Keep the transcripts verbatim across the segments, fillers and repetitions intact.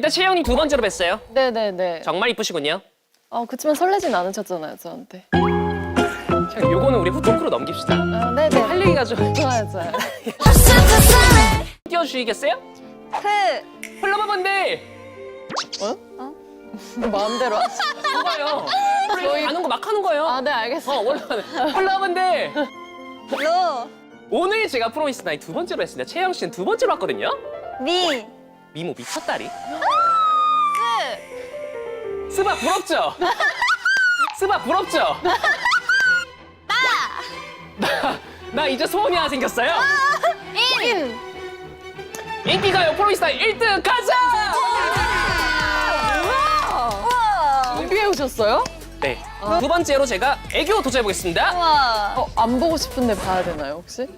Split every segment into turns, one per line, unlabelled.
일단 채영님 두 번째로 뵀어요.
네네네.
정말 이쁘시군요.
어, 그치만 설레진 않으셨잖아요, 저한테.
자, 요거는 우리 후토크로 넘깁시다.
아, 네네.
할 얘기가 좀
좋아요, 좋아요.
띄워주시겠어요?
흐.
플러버분들
어? 마음대로 하시.
봐요. 저희 아는 거 막 하는 거예요.
아, 네, 알겠어요.
어, 원래 플러버분들
로.
오늘 제가 프로미스 나이 두 번째로 했습니다. 채영 씨는 두 번째로 왔거든요.
미.
미모 미쳤다리.
스.
스바 부럽죠? 스바 부럽죠? 나! 나 이제 소원이 하나 생겼어요.
인.
인기가요 프로미스 나이 일 등 가자!
우와.
준비해 오셨어요?
네. 두 번째로 제가 애교 도전해보겠습니다.
우와.
어, 안 보고 싶은데 봐야 되나요, 혹시?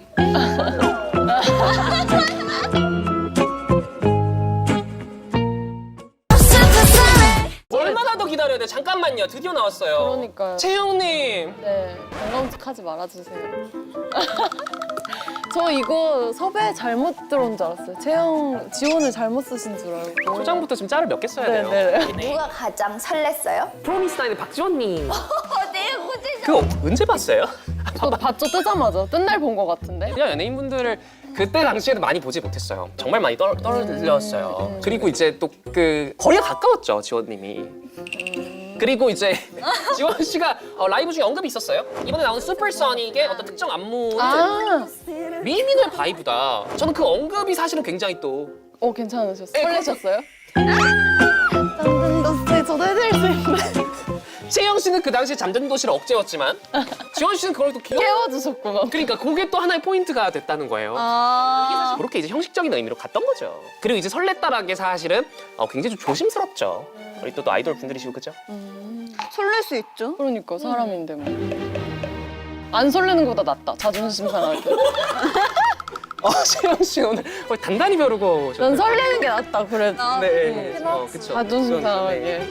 얼마나 더 기다려야 돼? 잠깐만요. 드디어 나왔어요.
그러니까요.
채영님.
네, 건강식 하지 말아주세요. 저 이거 섭외 잘못 들어온 줄 알았어요. 채영 지원을 잘못 쓰신 줄 알고.
초장부터 지금 짤을 몇 개 써야
네,
돼요.
네.
누가 가장 설렜어요?
프로미스 나인의 박지원님.
어, 내 고지.
그거 언제 봤어요?
저 봤죠, 뜨자마자. 뜬날 본 것 같은데.
그냥 연예인분들을 그때 당시에는 많이 보지 못했어요. 정말 많이 떨, 떨어졌어요.
음.
그리고 이제 또 그 거리가 가까웠죠, 지원님이.
음.
그리고 이제 지원 씨가 어, 라이브 중에 언급이 있었어요. 이번에 나온 슈퍼소닉의 어떤 특정 안무는
아,
미미의 바이브다. 저는 그 언급이 사실은 굉장히 또
어, 괜찮으셨어요?
네,
설레셨어요? 짠 도스 저도 해드릴 수 있는데.
채영 씨는 그 당시에 잠든 도시를 억제였지만 지원 씨는 그걸 또 귀여워.
깨워주셨구나.
그러니까 그게 또 하나의 포인트가 됐다는 거예요.
아.
그렇게 이제 형식적인 의미로 갔던 거죠. 그리고 이제 설렜다라는 게 사실은 어, 굉장히 좀 조심스럽죠. 우리 또, 또 아이돌 분들이시고 그죠?
설렐 수 있죠?
그러니까 사람인데 뭐. 안 설레는 것보다 낫다. 자존심 상할 때.
어, 채영 씨 오늘 거의 단단히 벼르고
난
오셨네요.
설레는 게 낫다. 그래도.
아,
네,
음.
어, 그쵸.
자존심
그건,
상하게.
네.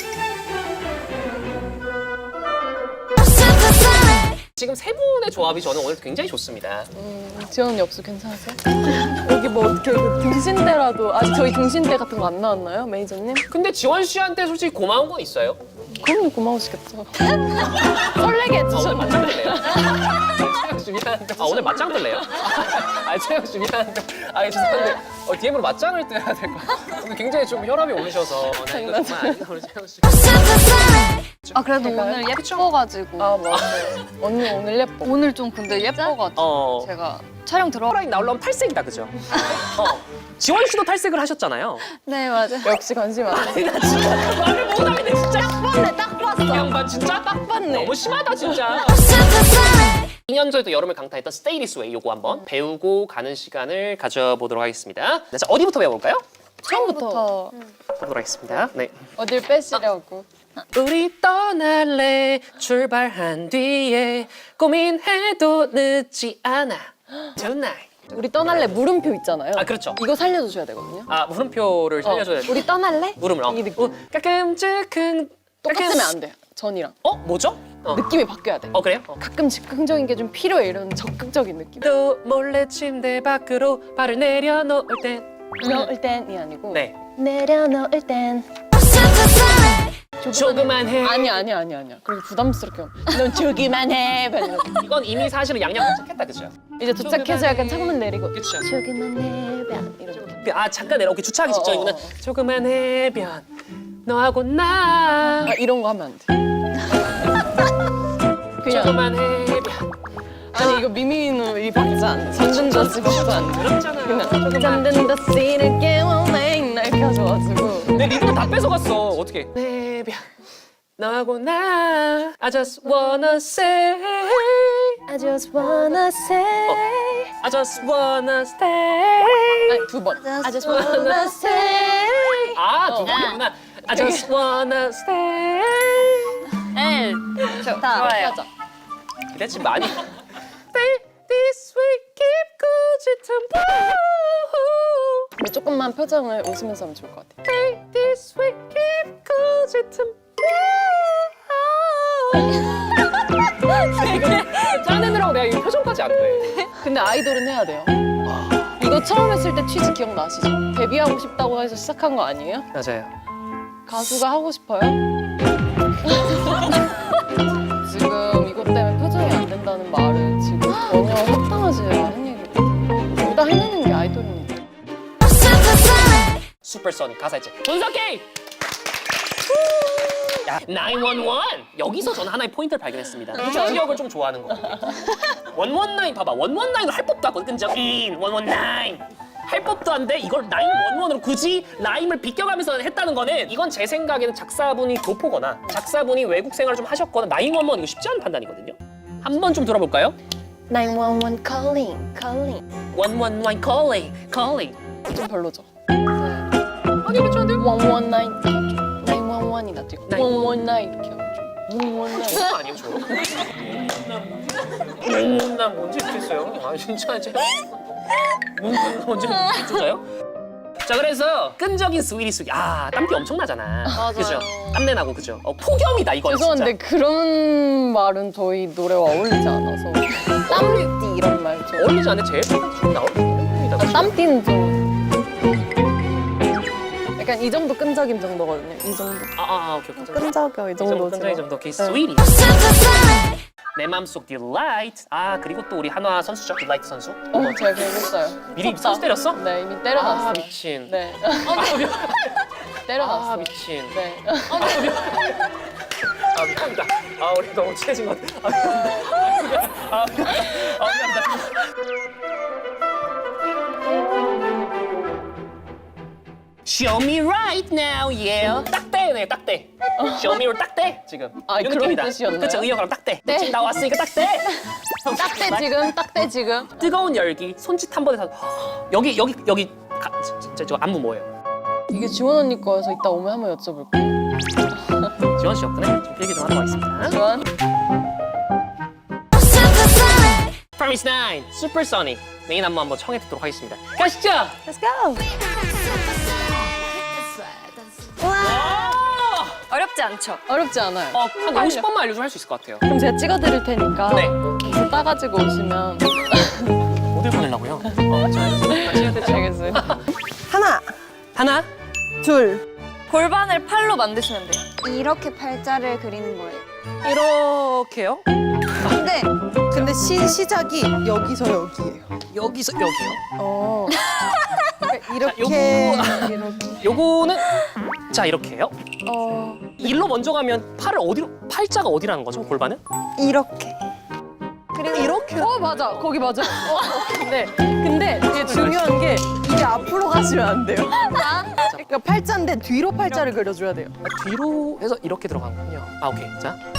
지금 세 분의 조합이 저는 오늘 굉장히 좋습니다.
음, 지원 엽수 괜찮으세요? 여기 뭐 어떻게 그 등신대라도 아직 저희 등신대 같은 거 안 나왔나요, 매니저님?
근데 지원 씨한테 솔직히 고마운 건 있어요?
그럼요, 고마우시겠죠. 설레게
아, 오늘
해주셨네.
맞짱 들래요? 채영 씨 미안한데. 아, 오늘 맞짱 들래요? 아, 채영 씨 미안한데. 아, 죄송한데. 어, 디엠으로 맞짱을 떠야 될 것 같아요. 오늘 굉장히 좀 혈압이 오르셔서. 나 이거 정말 아니다, 우리 채영 씨.
아 그래도
제가요?
오늘 예뻐가지고
아, 맞아요. 언니 오늘 예뻐.
오늘 좀 근데 예뻐가지고
어.
제가 촬영 들어.
라인 나오려면 탈색이다, 그죠? 어. 지원 씨도 탈색을 하셨잖아요.
네 맞아.
역시 관심 많으세요.
나 진짜 말을 못하겠네, 진짜. 딱
봤네, 딱 봤어.
이 양반 진짜 딱
봤네.
너무 심하다, 진짜. 이 년 전에도 여름을 강타했던 Stay This Way 요거 한번 배우고 가는 시간을 가져보도록 하겠습니다. 네, 자, 어디부터 배워볼까요?
처음부터
보도록 하겠습니다. 네.
어딜 빼시려고.
우리 떠날래 출발한 뒤에 고민해도 늦지 않아 Tonight.
우리 떠날래 물음표 있잖아요.
아, 그렇죠.
이거 살려주셔야 되거든요.
아, 물음표를 살려줘야 돼.
우리 떠날래?
물음을 어.
이 느낌.
어, 가끔씩은
똑같으면 안 돼. 전이랑.
어? 뭐죠? 어,
느낌이 바뀌어야 돼.
어 그래요? 어.
가끔 즉흥적인 게 좀 필요해. 이런 적극적인 느낌.
또 몰래 침대 밖으로 발을 내려놓을 땐
넣을 땐이 아니고
네.
내려놓을 땐
조그만 해.
아니 아니 아니 아니야. 그리고 부담스럽게 넌 저기만 해. 이렇게.
이건 이미 사실은 양양 도착했다, 그죠?
이제 도착해서 약간 창문 내리고
그쵸.
저기만 해변 이런.
아 잠깐 내려. 오케이, 주차하기
어,
직전이구나.
어, 어.
조그만 해변 너하고 나.
아 이런 거 하면 안 돼. 그냥
조그만 해변.
아니 이거 미미누 이 박자 안 돼. 잠든 더 찍어도 안 돼.
그렇잖아요.
그냥
조그만.
잠든 더 씬을 깨워 맨날 이렇게 하셔가지고
내 리듬을 다 뺏어갔어. 어떻게? 해변 너하고 나. I just wanna say.
I just wanna say
I just wanna stay.
아니 두 번. I just wanna say
아, 두 번이구나. I just wanna stay.
네.
좋다.
좋아요.
하자.
기대치 많이. Stay this way, keep good
근데 조금만 표정을 웃으면서 하면 좋을 것 같아.
Stay this way, keep good 짜내느라고 내가 이 표정까지 안 돼.
근데 아이돌은 해야 돼요. 이거 처음 했을 때 취지 기억나시죠? 데뷔하고 싶다고 해서 시작한 거 아니에요?
맞아요.
가수가 하고 싶어요? 지금 이것 때문에 표정이 안 된다는 말은 지금 전혀 합당하지 않은 얘기거든요. 둘 다 해내는 게 아이돌입니다.
슈퍼소닉 가사 있지. 분석기! 야, 나인원원! 여기서 저는 하나의 포인트를 발견했습니다. 기억을 좀 좋아하는 거 같아요. 원원나인 봐봐. 원원나인으로 할 법도 하거든. 끈적 인, 원원나인. 할 법도 한데 이걸 나인원원으로 굳이 라임을 비껴가면서 했다는 거는 이건 제 생각에는 작사분이 교포거나 작사분이 외국 생활을 좀 하셨거나 나인원원 이거 쉽지 않은 판단이거든요. 한번 좀 들어볼까요?
나인원원 calling, calling.
원원나인 calling, calling.
좀 별로죠.
아니 괜찮은데?
원원나인 이렇게 하죠. 나인원원이 낫지.
나인-
원원나인 이렇게 하죠. 원원나인.
그거 아니에요 저? 문문난 뭔지 모르겠어요. 아 진짜 제가 문문 뭔지 모르겠어요. 자 그래서 끈적인 스위리 스위. 아 땀띠 엄청 나잖아.
맞아요.
그죠? 땀내 나고 그죠? 어, 폭염이다 이건
죄송한데
진짜.
그런 말은 저희 노래와 어울리지 않아서 땀띠 이런 말 좀.
어울리지 않는데 제일 좀 나올 뿐이다.
아, 땀띠는 좀 약간 이 정도 끈적임 정도거든요. 이 정도.
아아 아, 오케이 오케이.
끈적여 이
이 정도
정도지.
끈적이 정도 오케이 스위리. 내 맘속 딜라이트. 아 그리고 또 우리 한화 선수죠 딜라이트 선수.
어, 제가 그랬어요.
미리 선수 때렸어?
네, 이미 때려놨어요.
아 미친.
네,
아, 미...
때려놨어요.
아 미친.
네.
아 미안합니다. 아 우리 너무 친해진 것 같아. 아 미안합니다. 아 미안합니다. 아 미안합니다. Show me right now, yeah. 딱대네, 딱대. Show me로 딱대 지금.
아,
이런
그런
느낌이다.
뜻이었나요?
그쵸, 의역으로 딱대.
네.
지금 나왔으니까 딱대.
딱대 지금, 딱대 지금.
뜨거운 열기, 손짓 한 번에 다. 여기 여기 여기 가, 저, 저 안무 뭐예요?
이게 지원 언니 거여서 이따 오면 한번 여쭤볼게요.
지원 씨였구나. 좀 얘기 좀 하도록 하겠습니다.
지원.
Promise Nine, Supersonic. 메인 안무 한번 청해 듣도록 하겠습니다. 가시죠.
Let's go.
와!
어렵지 않죠?
어렵지 않아요.
어, 한 오십 번만 알려주면 할 수 있을 것 같아요.
그럼 제가 찍어드릴 테니까
네.
이거 따가지고 오시면
어딜 보내려고요? 어, 저 같이 해야 되죠?
알겠어요.
하나,
하나,
둘.
골반을 팔로 만드시면 돼요.
이렇게 팔자를 그리는 거예요.
이렇게요.
근데
근데 시, 시작이 여기서 여기예요.
여기서 여기요.
어.
이렇게
요거-
이렇게
요거는 자 이렇게요.
어.
일로 먼저 가면 팔을 어디로 팔자가 어디라는 거죠? 골반은?
이렇게.
그리고 이렇게
어 맞아 거기 맞아. 어, 근데 근데 이게 중요한 게 이게 앞으로 가시면 안 돼요.
그러니까 팔자인데 뒤로 팔자를 그려줘야 돼요.
아, 뒤로 해서 이렇게 들어가는군요. 아 오케이. 자